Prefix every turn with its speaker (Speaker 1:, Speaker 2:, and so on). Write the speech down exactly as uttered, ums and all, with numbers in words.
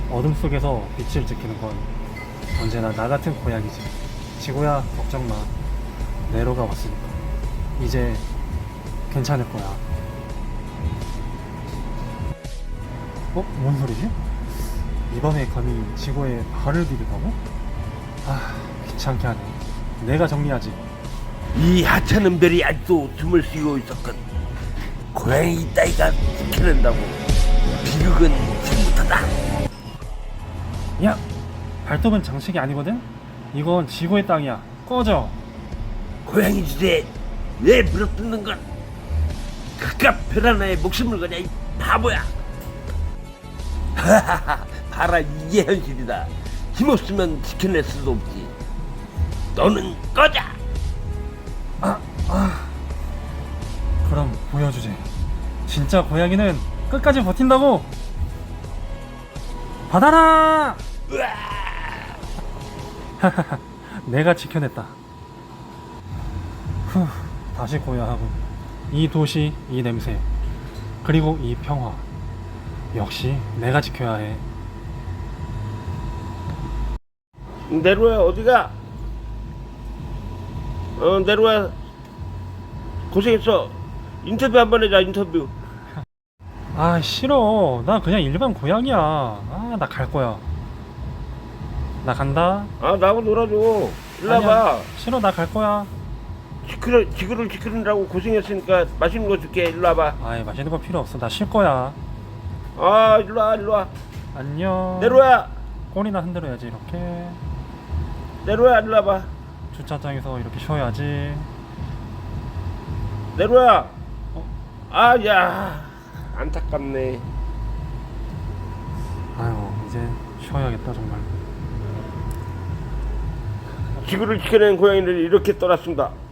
Speaker 1: 어둠 속에서 빛을 지키는 건 언제나 나 같은 고양이지. 지구야, 걱정 마. 네로가 왔으니까 이제 괜찮을 거야. 어? 뭔 소리지? 이번에 감히 지구에 발을 디디다고? 아, 귀찮게 하네. 내가 정리하지.
Speaker 2: 이 하찮은 별이 아직도 틈을 쉬고 있었건 고양이 따위가 지켜낸다고. 비극은 지금부터다.
Speaker 1: 야! 발톱은 장식이 아니거든? 이건 지구의 땅이야. 꺼져!
Speaker 2: 고양이 주제에 왜 물어뜯는 건 그깟 별 하나에 목숨을 거냐 이 바보야. 하하하, 봐라, 이게 현실이다. 힘없으면 지켜낼 수도 없지. 너는 꺼져.
Speaker 1: 아, 아. 그럼 보여주지. 진짜 고양이는 끝까지 버틴다고! 받아라! 하하하, 내가 지켜냈다. 후, 다시 고야하고. 이 도시, 이 냄새, 그리고 이 평화. 역시 내가 지켜야 해.
Speaker 2: 네로야, 어디가? 어, 네로야, 고생했어. 인터뷰 한번 해자. 인터뷰.
Speaker 1: 아, 싫어. 나 그냥 일반 고양이야. 아, 나 갈 거야. 나 간다.
Speaker 2: 아, 나하고 놀아줘. 일로
Speaker 1: 아니야,
Speaker 2: 와봐.
Speaker 1: 싫어, 나 갈 거야.
Speaker 2: 지크를, 지구를 지키느라고 고생했으니까 맛있는 거 줄게. 일로 와봐.
Speaker 1: 아이, 맛있는 거 필요 없어. 나 쉴 거야.
Speaker 2: 아, 일로 와, 일로 와.
Speaker 1: 안녕.
Speaker 2: 네로야,
Speaker 1: 꼬리나 흔들어야지, 이렇게.
Speaker 2: 네로야, 일로 와봐.
Speaker 1: 주차장에서 이렇게 쉬어야지.
Speaker 2: 네로야.
Speaker 1: 어?
Speaker 2: 아, 야, 안타깝네.
Speaker 1: 아유, 이제 쉬어야겠다, 정말.
Speaker 2: 지구를 지켜낸 고양이를 이렇게 떠났습니다.